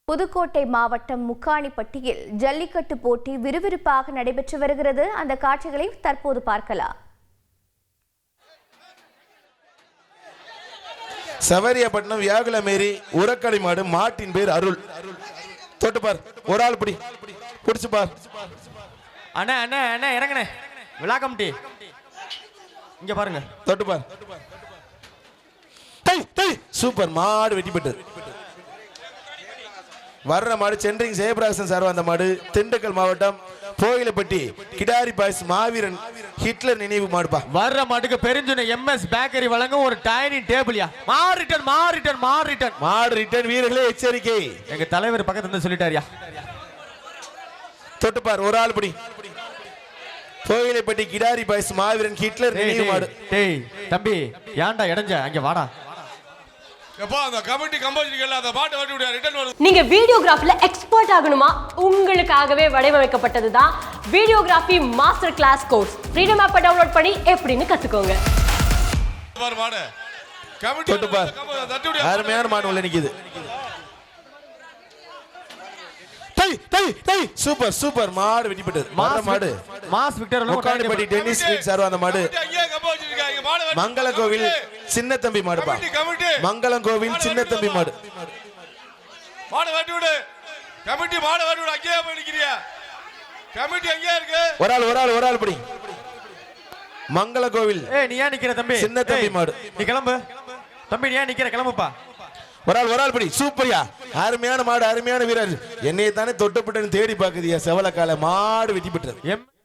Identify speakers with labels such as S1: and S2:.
S1: புதுக்கோட்டை மாவட்டம் முக்காணிப்பட்டியில் ஜல்லிக்கட்டு போட்டி விறுவிறுப்பாக நடைபெற்று வருகிறது. அந்த காட்சிகளை தற்போது பார்க்கலாம்.
S2: சவரியப்பட்டினம் வியாகுலமேரி உரக்களி மாடு, மாட்டின் பேர் அருள். தொட்டு பார், ஒரு ஆள் பிடி, பிடிச்சு பார்.
S3: அண்ணா அண்ணா அண்ணா இறங்கண்ணே, விழா கமிட்டி இங்க பாருங்க,
S2: தொட்டு பார். சூப்பர், மாடு வெட்டி பெற்றது. வர்ற மாடு சென்ட்ரிங் ஜெயபிரகாசன் சார். அந்த மாடு திண்டுக்கல் மாவட்டம் கோயிலப்பட்டி கிடாரி பாய்ஸ் மாவீரன் ஹிட்லர் நினைவு மாடுப்பா.
S3: வர்ற மாட்டுக்கு பெருஞ்சுனை எம்எஸ் பேக்கரி வழங்கும் ஒரு டைனிங் டேபிள்யா. மாடு ரிட்டர்ன் வீரர்களே எச்சரிக்கை. எங்க தலைவர் பக்கத்துல இருந்து சொல்லிட்டாரியா.
S2: தொட்டுப்பார், ஒரு ஆள் படி. கோயிலப்பட்டி கிடாரி பாய்ஸ் மாவீரன் ஹிட்லர் நினைவு மாடு.
S3: டேய் தம்பி, ஏன்டா இடைஞ்ச, அங்க வாடா.
S4: நீங்க வீடியோகிராஃபில எக்ஸ்பர்ட் ஆகணுமா? உங்களுக்காகவே வடிவமைக்கப்பட்டதுதான் videography master class course. Freedom ஆப்பை டவுன்லோட் பண்ணி எப்படின்னு கத்துக்கோங்க.
S2: அருமையான மாடு உள்ள நிக்குது. சூப்பர் சூப்பர், மாடு வெட்டி பெற்றது. மாடு
S3: mass Victor
S2: Mukkanipatti Dennis street sir. அந்த மாடு மங்கள கோவில் சின்ன தம்பி மாடுப்பா. மங்களம் கோவில் சின்ன தம்பி மாடு.
S5: மாடு வெட்டி விடு கமிட்டி, மாடு வெட்டி விடு. அங்கேயே போய் நிக்கிறியா? கமிட்டி அங்கேயே இருக்கு.
S2: ஒரு ஆள் படி. மங்கள கோவில்.
S3: நீ ஏன் நிக்கிற தம்பி?
S2: சின்ன தம்பி மாடு.
S3: நீ கிளம்பு தம்பி, நீ ஏன் நிக்கிற? கிளம்புப்பா.
S2: ஒரு ஆள் படி. சூப்பர்யா, அருமையான மாடு, அருமையான வீரர். என்னைய தானே தொட்டப்பட்டன்னு தேடி பாக்குதியா. செவலக்கால மாடு வெட்டி பெற்றது.